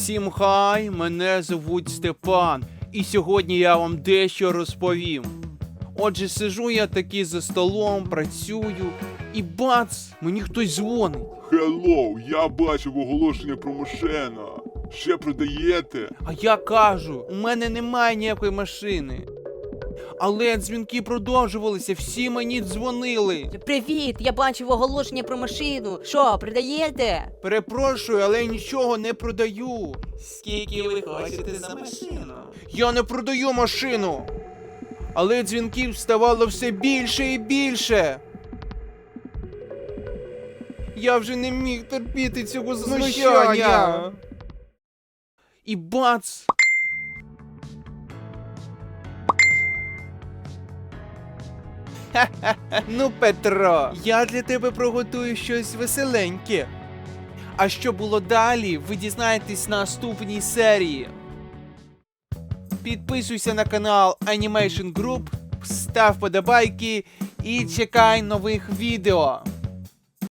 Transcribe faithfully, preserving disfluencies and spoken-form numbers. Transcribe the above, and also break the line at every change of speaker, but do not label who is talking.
Всім хай, мене звуть Степан, і сьогодні я вам дещо розповім. Отже, сижу я таки за столом, працюю, і бац, мені хтось дзвонить.
Хеллоу, я бачив оголошення про машина. Ще продаєте?
А я кажу, у мене немає ніякої машини. Але дзвінки продовжувалися, всі мені дзвонили.
Привіт, я бачив оголошення про машину. Що, продаєте?
Перепрошую, але нічого не продаю.
Скільки ви хочете за машину?
Я не продаю машину. Але дзвінків ставало все більше і більше. Я вже не міг терпіти цього знущання. І бац! Ха-ха-ха. Ну, Петро, я для тебе приготую щось веселеньке. А що було далі, ви дізнаєтесь на наступній серії. Підписуйся на канал Animation Group, став подобайки і чекай нових відео.